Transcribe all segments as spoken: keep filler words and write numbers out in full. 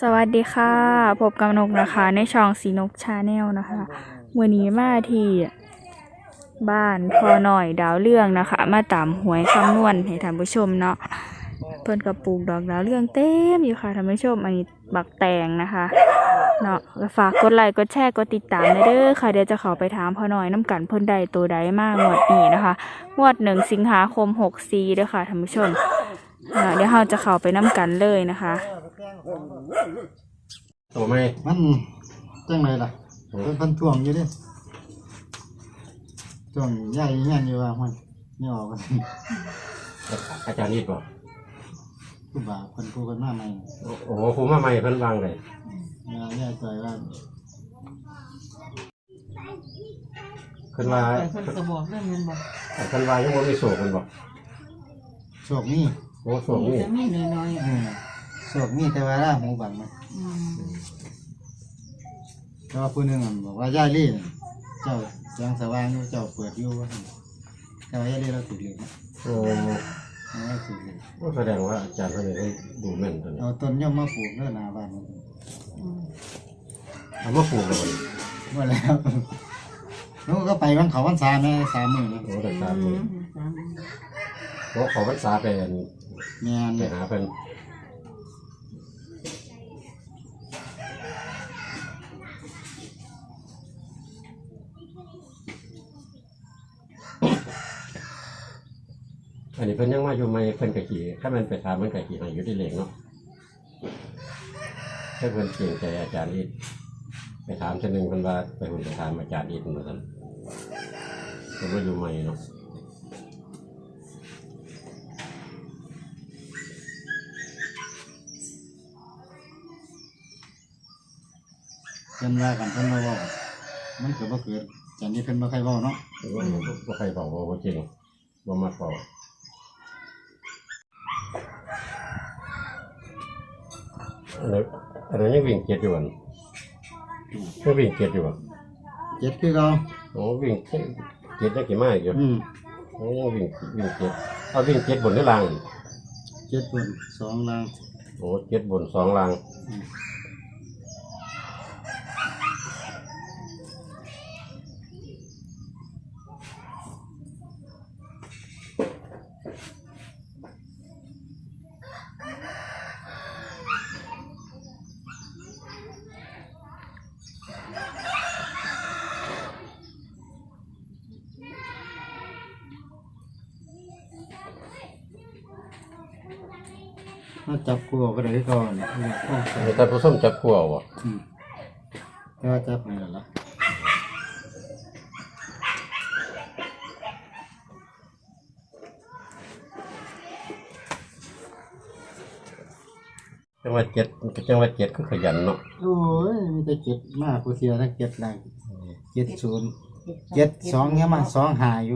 สวัสดีค่ะพบกับนกนะคะในช่องสีนกชาแนลนะคะวันนี้มาที่บ้านพอหน่อยดาวเรื่องนะคะมาตามหวยคำนวณให้ท่านผู้ชมเนาะเพิ่นกระปลูกดอกดาวเรื่องเต็มอยู่ค่ะท่านผู้ชมอันนี้บักแตงนะคะเนาะฝากกดไลค์กดแชร์กดติดตามเด้อค่ะเดี๋ยวจะเข้าไปถามพอหน่อยน้ำกันเพิ่นใดตัวใดมากงวดนี้นะคะงวดหนึ่งสิงหาคมหกสี่เด้อค่ะท่านผู้ชมเดี๋ยวเราจะเข้าไปน้ำกันเลยนะคะโอ้ไม่มันจังไรล่ะเป็นพันท่วงอยู่ดิท่วงใหญ่ใหญ่อยู่ว่ามันนี่ออกกันอาจารย์นี่บอกผู้บ่าวคนผู้คนมาใหม่โอ้โหผมมาใหม่เพิ่นวางเลยเนี่ยแย่ใจว่าเพิ่นว่าเพิ่นก็บอกเรื่องเงินบอกเพิ่นว่ายังบ่มีโศกเพิ่นบอกโศกนี่โอ้โศกนี่จะมีน้อยๆโศกนี่แต่ว่าหูบังมันแต่ว่าผู้หนึ่งบอกว่าย่าลี่เจ้าแสงสว่างอยู่เจ้าเปิดอยู่ว่าแต่ว่าย่าลี่เราติดเหล็กโอ้เราติดเหล็กแสดงว่าอาจารย์เพิ่นได้ดูแม่นตัวนี้เอาต้นย่อมมาปลูกเนื้อนาบ้านเอามาปลูกแล้วเมื่อแล้วนู้ก็ไปวันเขาวันสามแม่สามมือโอ้แต่สามมือโอ้ขอพรรษาไปแม่ไปหาเพิ่นอันนี้เพิ่นยังมาอยู่ไหมเพิ่นกะขี่ถ้ามันไปถามมันกะขี่ให้อยู่ที่เหลงเนาะถ้าเพิ่นเก่งใจอาจารย์อีกไปถามเช่นหนึ่งเพิ่นว่าไปหุ่นไปถามอาจารย์อีกเหมือนกันเพิ่นมาอยู่ไหมเนาะเพิ่นว่ากันเพิ่นมาบอกมันเกิดบ่เกิดจากนี้เพิ่นบ่ใครบอกเนาะบ่ใครบอกว่าจริงบ่มาบอกอะไรอะไรยังวิ่งเจ็ดอยู่อ่ะยังวิ่งเจ็ดอยู่อ่ะเจ็ดคือเราโอ้วิ่งเจ็ดได้กี่มากอยู่อืมโอ้ยังวิ่งวิ่งเจ็ดเอาวิ่งเจ็ดบนหรือล่างเจ็ดบนสองล่างโอ้เจ็ดบนสองล่างมาจับกูก็ได้ก่อนมีแต่ผู้ส้มจับขัววะแต่ว่าจับไม่ได้ละจังหวัดเจ็ดจังหวัดเจ็ดก็ขยันเนาะโอ้ยมีแต่เจ็ดมากกูเสียทั้งเจ็ดแรงเจ็ดศูนย์เจ็ดสองเนี่ยมาสองหาอยู่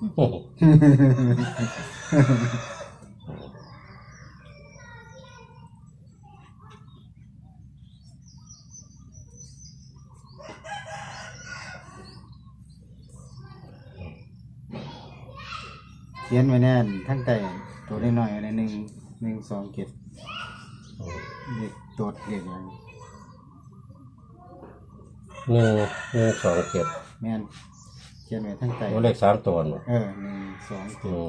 เขียนไว้แน่นทั้งแต่ตัวน้อยๆอะไรหนึ่งหนึ่งสองเจ็ดเด็กโจทย์เด็กอย่างหนึ่งหนึ่งสองเจ็ดแม่นเขียนไว้ทั้งแต่เลขสามตัวเออหนึ่งสองเจ็ด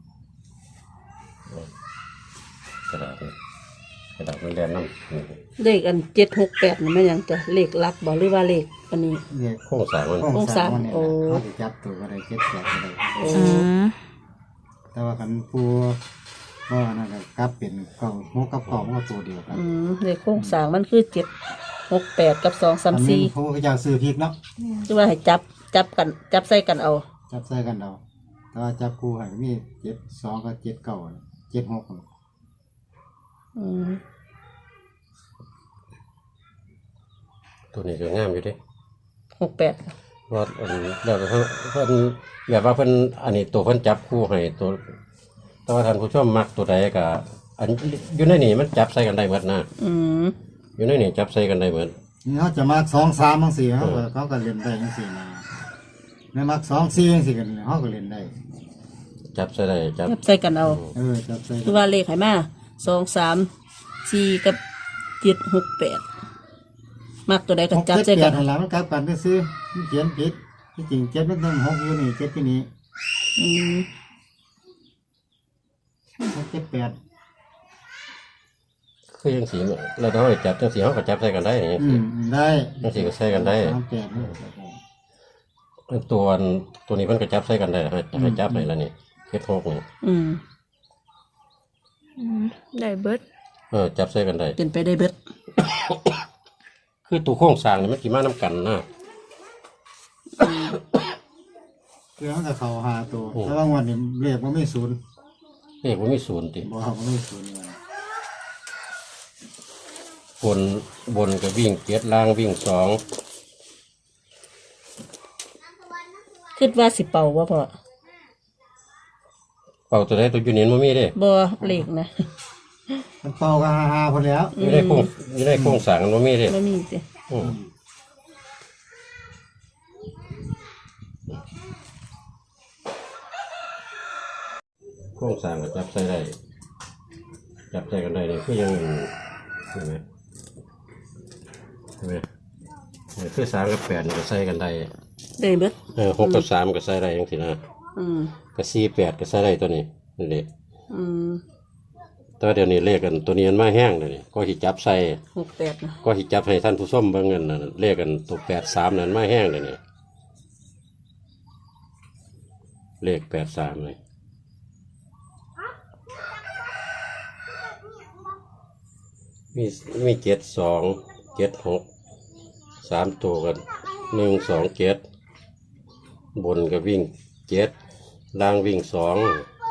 กระดาษกระดาษมันแดงน้ำเลขอันเจ็ดหกแปดนี่มันยังจะเลขลับบอกหรือว่าเลขอันนี้โค้งสามมันโค้งสามโอ้เขาจะจับตัวอะไรเจ็ดแปดอะไรแต่ว่าคันผู้ว่านั่นก็กลับเป็นเก่าหกกับเก่ามันก็ตัวเดียวกันอืมเลขโค้งสามมันคือเจ็ดหกแปดกับสองสามสี่เขาก็จะซื้อพริกเนาะคือว่าให้จับจับกันจับใส่กันเอาจับใส่กันเอาแต่ว่าจับคู่ให้มีเจ็ดสองกับเจ็ดเก่าเจ็ดหกอืมตัวนี้จะงามอยู่ดิหกแปดว่าอันแบบเพิ่นเพิ่นแบบว่าเพิ่นอันนี้ตัวเพิ่นจับคู่ให้ตัวแต่ว่าท่านผู้ชมมักตัวใดก็อันอยู่ในนี่มันจับใส่กันได้หมดนะอืมอยู่ในนี่จับใส่กันได้หมดนี่เขาจะมักสองสามบางสี่เขาเขาก็เล่นได้บางสี่นะไม่มักสองสี่บางสี่กันเขาก็เล่นได้จับใส่ได้จับจับใส่กันเอาเออจับใส่คือว่าเลขไหมาสองสามสี่กับเจ็ดหกแปดมักตัวใดก็หกจับเจ็ดใส่แปกัดนนั่นแหละมันกลับกันซื้อมันเขียนผิดที่จริงเจ็ดมันต้องหกอยู่นี่เจ็ดที่นี่อืมหกเจ็ดแปดคือยังสีเราต้องให้จับจังสีเขาก็จับใส่กันได้ยังอืสีมได้จังสีก็ใส่กันได้สามแปดนี่ตัวอันตัวนี้มันก็จับใส่กันได้ให้ให้จับไหนละนี่เจ็ดหกนี่อืมอืมได้เบิดเออจับใส่กันได้เป็นไปได้เบิดคือตัวโครงสร้างนี่มันกี่มาน้ำกันนะคือมันก็เข้าหาตัวแต่ว่างวันนี้เลขมันไม่ศูนย์เลขว่ามีศูนย์ติบอกว่ามันไม่ศูนย์เลยบนบนก็วิ่งเจ็ดล่างวิ่งสองคิดว่าสิเป่าว่าพอเป่าตัวใดตัวอยูเนียนมันมีเด้บ่เลขนะมันเป่าก็ฮาฮาพอแล้วอยู่ในโครงอยู่ในโครงสร้างมันมีเด้บ่มีสิอืมโครงสร้างก็จับใส่ได้จับใส่กันได้เลยคือยังเห็นไหมเห็นไหมเนี่ยคือสามกับแปดนี่ก็ใส่กันได้ได้เบิดเออหกกับสามก็ใส่ได้ยังสินะอืมก็สี่แปดก็ใส่ได้ตัวนี้นี่เด็อืมแต่ว่าเดี๋ยวนี้เลขกันตัวนี้มันมาแห้งเลยนี่ก็หิจับใส่หกแปดนะก็หิจับให้ท่านผู้ชมเบิ่งเงินน่ะเลขกันตัวแปดสามนั่นมาแห้งเลยนี่เลขแปดสามเลยมีมีเจ็ดสองเจ็ดหกสามตัวกันหนึ่งสองเจ็ดบนก็วิ่งเจ็ดล่างวิ่งสอง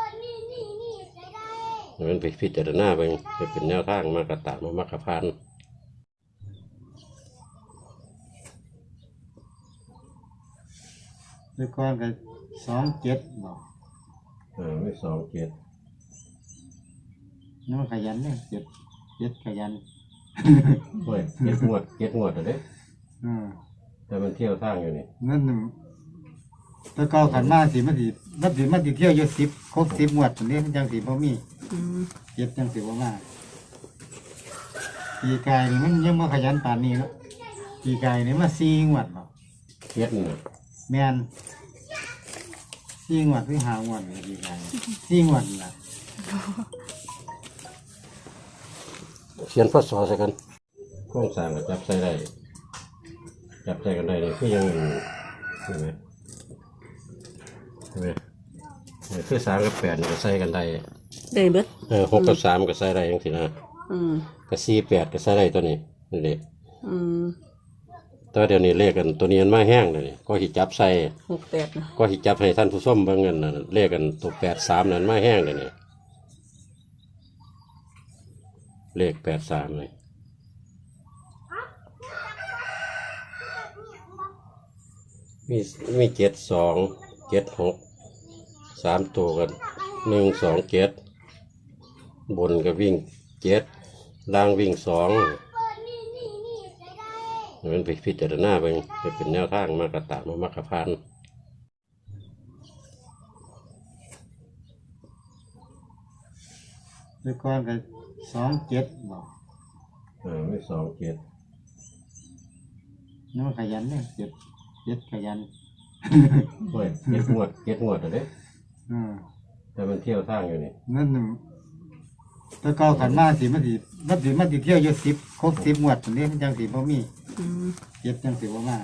มันไปพิจารณาไปจะเป็นแนวทางมากระตามามากระพันด้วยก้อนก็สองเจ็ดบอกอ่าไม่สองเจ็ดน้องขยันเนี่ยเจ็ดเจ็ดขยันโอ้ยเจ็ดงวดเจ็ดงวดอะเด้อืมแต่มันเที่ยวทางอยู่นี่นั่นน่ะแต่ก็ขันมาสิมันสิมันสิมันสิเที่ยวอยู่สิบครบสิบหมวดตัวนี้มันจังสิบ่มีอืมเจ็ดจังสิบ่มาปีกายนี่มันยังมาขยันป่านนี้แล้วปีกายนี่มาสี่หมวดเนาะเจ็ดนี่แม่นสี่หมวดหรือห้าหมวดเลยปีกายสี่หมวดล่ะเขียนพศใส่กันโครงสร้างก็จับใส่ได้จับใส่กันได้เลยคือยังเห็นไหมเห็นไหมเนี่ยคือสามกับแปดนี่ก็ใส่กันได้ได้เบิดเออหกกับสามก็ใส่ได้ยังสินะอืมก็สี่แปดก็ใส่ได้ตัวนี้นี่เด็อืมแต่ว่าเดี๋ยวนี้เลขกันตัวนี้มันมาแห้งเลยนี่ก็หิจับใส่หกแปดนะก็หิจับให้ท่านผู้ชมเบิ่งเงินน่ะเลขกันตัวแปดสามนั่นมาแห้งเลยนี่เลขแปดสามเลยมีมีเจ็ดสองเจ็ดหกสามตัวกันหนึ่งสองเจ็ดบนก็วิ่งเจ็ดล่างวิ่งสองมันไปพิจารณาไปจะเป็นแนวทางมากระตามามากระพันด้วยก้อนก็สองเจ็ดบอกอ่าไม่สองเจ็ดน้องขยันเนี่ยเจ็ดเจ็ดขยันโอ้ยเจ็ดงวดเจ็ดงวดอะเด้อืมแต่มันเที่ยวทางอยู่นี่นั่นน่ะแต่ก็ขันมาสิมันสิมันสิมันสิเที่ยวอยู่สิบครบสิบหมวดตัวนี้มันจังสิบ่มีอืมเจ็ดจังสิบ่มา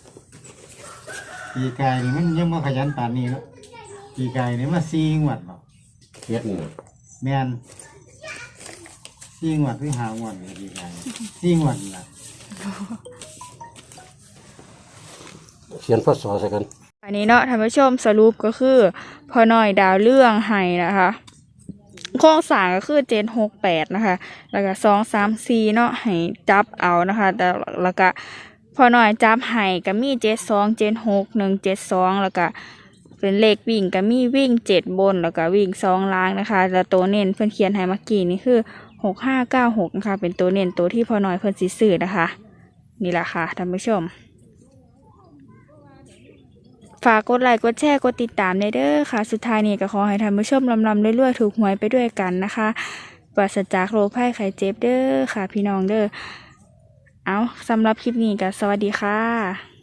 ปีกายนี่มันยังมาขยันป่านนี้แล้วปีกายนี่มาสี่หมวดบอกเจ็ดนี่น่ะแม่นสี่หมวดหรือห้าหมวดเลยปีกายสี่หมวดล่ะเขียนพศใส่กันอันนี้เนาะท่านผู้ชมสรุปก็คือพอหน่อยดาวเรื่องไห้นะคะโครงสร้างก็คือเจ็ดหกแปดนะคะ แล้วก็สองสามสี่เนาะให้จับเอานะคะ แต่แล้วก็พอหน่อยจับไห้ก็มีเจ็ดสองเจ็ดหกหนึ่งเจ็ดสองแล้วก็เป็นเลขวิ่งก็มีวิ่งเจ็ดบนแล้วก็วิ่งสองล่างนะคะแล้วตัวเน้นเพื่อนเขียนให้เมื่อกี้นี่คือหกห้าเก้าหกนะคะเป็นตัวเน้นตัวที่พอหน่อยเพื่อนสิซื้อนะคะ นี่แหละค่ะท่านผู้ชม ฝากกดไลค์กดแชร์กดติดตามได้เด้อค่ะ สุดท้ายนี้ก็ขอให้ท่านผู้ชมลำลำเรื่อยๆถูกหวยไปด้วยกันนะคะปราศจากโรคภัยไข้เจ็บเด้อค่ะพี่น้องเด้อเอาสำหรับคลิปนี้ก็สวัสดีค่ะ